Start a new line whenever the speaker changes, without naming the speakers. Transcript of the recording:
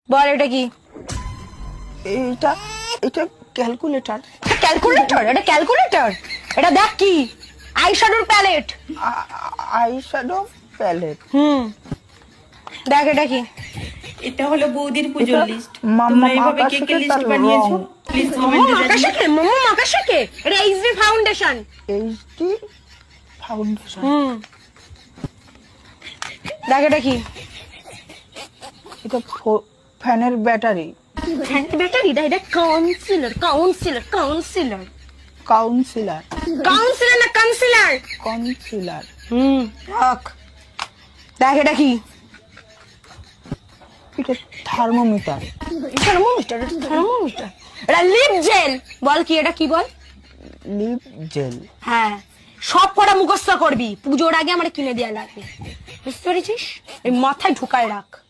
বল এটা কি?
এটা এটা ক্যালকুলেটর।
ক্যালকুলেটর? এটা ক্যালকুলেটর? এটা দেখ কি, আইশ্যাডোর প্যালেট।
Eyeshadow palette.
দেখ এটা কি?
এটা হলো বৌদির পুজোর লিস্ট।
মাম্মা
তোমরা এইভাবে কে কে
আকাশে
লিস্ট
তার
বানিয়েছো
রং।
প্লিজ কমেন্টে জানিও।
মামা আকাশকে এটা এইচডি ফাউন্ডেশন।
HD foundation.
দেখ এটা কি?
এটা ফ্যানের ব্যাটারি।
ব্যাটারি? এটা কাউন্সিলর। Councillor
councillor.
কাউন্সিলর না কাউন্সিলর।
কাউন্সিলার।
রাখ। দেখ এটা কি?
এটা থার্মোমিটার।
থার্মোমিটার? থার্মোমিটার? এটা লিপ জেল। বল কি এটা, কি বল?
Lip gel.
হ্যাঁ, সব কটা মুখস্থ করবি, পুজোর আগে আমার কিনে দেওয়া লাগবে, বুঝতে পেরেছিস? এই মাথায় ঢুকায় রাখ।